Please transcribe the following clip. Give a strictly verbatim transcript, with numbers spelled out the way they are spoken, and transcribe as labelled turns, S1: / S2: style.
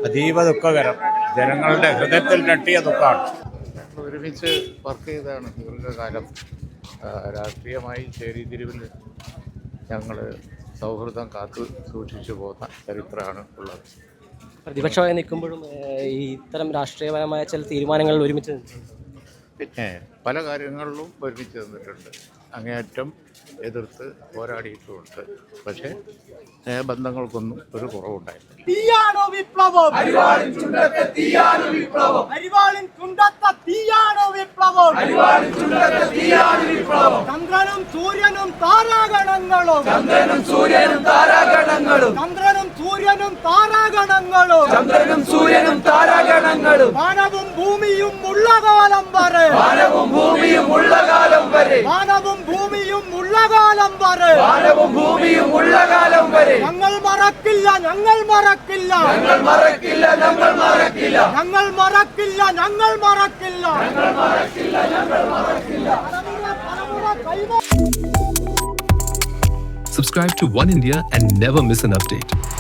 S1: അതീവ ദുഃഖകരം. ജനങ്ങളുടെ ഹൃദയത്തിൽ തട്ടിയ ദുഃഖമാണ്.
S2: ഒരുമിച്ച് വർക്ക് ചെയ്താണ് ദീർഘകാലം. രാഷ്ട്രീയമായി ചേരിതിരിവിൽ ഞങ്ങൾ സൗഹൃദം കാത്തു സൂക്ഷിച്ചു പോകുന്ന ചരിത്രമാണ് ഉള്ളത്.
S3: പ്രതിപക്ഷമായി നിൽക്കുമ്പോഴും ഈ ഇത്തരം രാഷ്ട്രീയപരമായ ചില തീരുമാനങ്ങളിൽ ഒരുമിച്ച്
S2: പിന്നെ പല കാര്യങ്ങളിലും ഒരുമിച്ച് നിന്നിട്ടുണ്ട്. അങ്ങേയറ്റം എതിർത്ത് പോരാടിയിട്ടുമുണ്ട്. പക്ഷേ സ്നേഹബന്ധങ്ങൾക്കൊന്നും ഒരു കുറവുണ്ടായില്ല.
S4: തീയാണോ വിപ്ലവം? അരിവാളിൻ ചുണ്ടത്തെ തീയാണോ വിപ്ലവം? അരിവാളിൻ ചുണ്ടത്തെ തീയാണോ വിപ്ലവം? അരിവാളിൻ ചുണ്ടത്തെ തീയാണോ വിപ്ലവം? ചന്ദ്രനും സൂര്യനും താരാഗണങ്ങളും ചന്ദ്രനും സൂര്യനും താരാഗണങ്ങളും ചന്ദ്രനും സൂര്യനും താരാഗണങ്ങളും ചന്ദ്രനും സൂര്യനും താരാഗണങ്ങളും വാനവും ഭൂമിയും ഉള്ള കാലം വരെ വാനവും ഭൂമിയും ഉള്ള കാലം വരെ വാനവും ഭൂമിയും ഉള്ള കാലം വരെ വാനവും ഭൂമിയും ഉള്ള കാലം വരെ ഞങ്ങൾ മറക്കില്ല ഞങ്ങൾ മറക്കില്ല ഞങ്ങൾ മറക്കില്ല ഞങ്ങൾ മറക്കില്ല ഞങ്ങൾ മറക്കില്ല ഞങ്ങൾ മറക്കില്ല ഞങ്ങൾ മറക്കില്ല ഞങ്ങൾ മറക്കില്ല.
S5: Subscribe to One India and never miss an update.